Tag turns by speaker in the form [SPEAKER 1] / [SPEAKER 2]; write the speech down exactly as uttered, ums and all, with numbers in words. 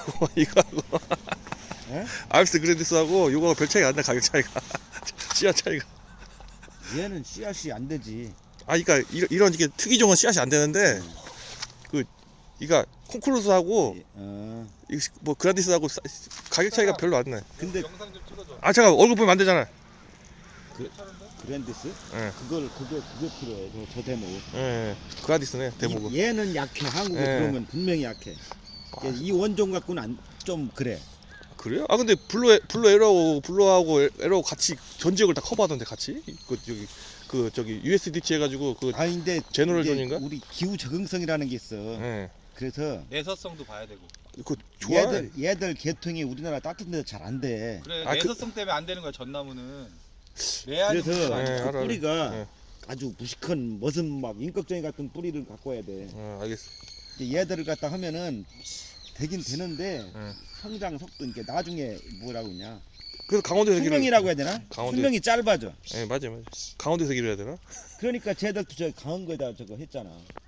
[SPEAKER 1] 이거하고 이거하고
[SPEAKER 2] 예?
[SPEAKER 1] 알스 그랜디스하고 이거하고 별 차이가 안 나. 가격 차이가 씨앗 차이가.
[SPEAKER 2] 얘는 씨앗이 안 되지.
[SPEAKER 1] 아 그러니까 이런, 이런 이게 특이종은 씨앗이 안 되는데
[SPEAKER 2] 음.
[SPEAKER 1] 그 이가 콩쿠르스하고
[SPEAKER 2] 어.
[SPEAKER 1] 이 뭐 그란디스하고 싸- 가격 차이가 별로 안 나.
[SPEAKER 2] 근데
[SPEAKER 3] 영상 좀 찍어줘.
[SPEAKER 1] 아 잠깐 얼굴 보면 안 되잖아.
[SPEAKER 2] 그랜디스?
[SPEAKER 1] 예,
[SPEAKER 2] 그걸 그게 그게 필요해. 저, 저 대목.
[SPEAKER 1] 예, 예. 그란디스네 대목은.
[SPEAKER 2] 이- 얘는 약해. 한국에
[SPEAKER 1] 예.
[SPEAKER 2] 들어오면 분명히 약해.
[SPEAKER 1] 아,
[SPEAKER 2] 이 원종 갖고는 안, 좀 그래.
[SPEAKER 1] 그래요? 아 근데 블루 블루 에러우 블루하고 에- 에러우 같이 전 지역을 다 커버하던데 같이 그 저기 그 저기 유에스디티 해가지고 그
[SPEAKER 2] 아 근데
[SPEAKER 1] 제너럴
[SPEAKER 2] 이게
[SPEAKER 1] 존인가?
[SPEAKER 2] 우리 기후 적응성이라는 게 있어.
[SPEAKER 1] 예.
[SPEAKER 2] 그래서
[SPEAKER 3] 내서성도 봐야 되고.
[SPEAKER 1] 그 좋아.
[SPEAKER 2] 얘들 얘들 계통이 우리나라 따뜻한 데서 잘 안 돼.
[SPEAKER 3] 그래
[SPEAKER 1] 아, 그-
[SPEAKER 3] 내서성 때문에 안 되는 거야 전나무는. 레알이
[SPEAKER 2] 그래서
[SPEAKER 3] 문제가
[SPEAKER 1] 예,
[SPEAKER 3] 아니야.
[SPEAKER 2] 그
[SPEAKER 1] 알아요.
[SPEAKER 2] 뿌리가
[SPEAKER 1] 예.
[SPEAKER 2] 아주 무식한 무슨 막 인격적인 같은 뿌리를 갖고 와야 돼.
[SPEAKER 1] 어, 알겠어.
[SPEAKER 2] 이제 얘들을 갖다 하면은 되긴 되는데
[SPEAKER 1] 예.
[SPEAKER 2] 성장 속도 이게 나중에 뭐라고 그러냐
[SPEAKER 1] 그래서 강원도에서 기를.
[SPEAKER 2] 수명이라고 해야 되나?
[SPEAKER 1] 강원도-
[SPEAKER 2] 수명이 짧아져.
[SPEAKER 1] 예, 맞아, 맞아. 강원도에서 기를 해야 되나?
[SPEAKER 2] 그러니까 쟤들도 저 강원 거에다 저거 했잖아.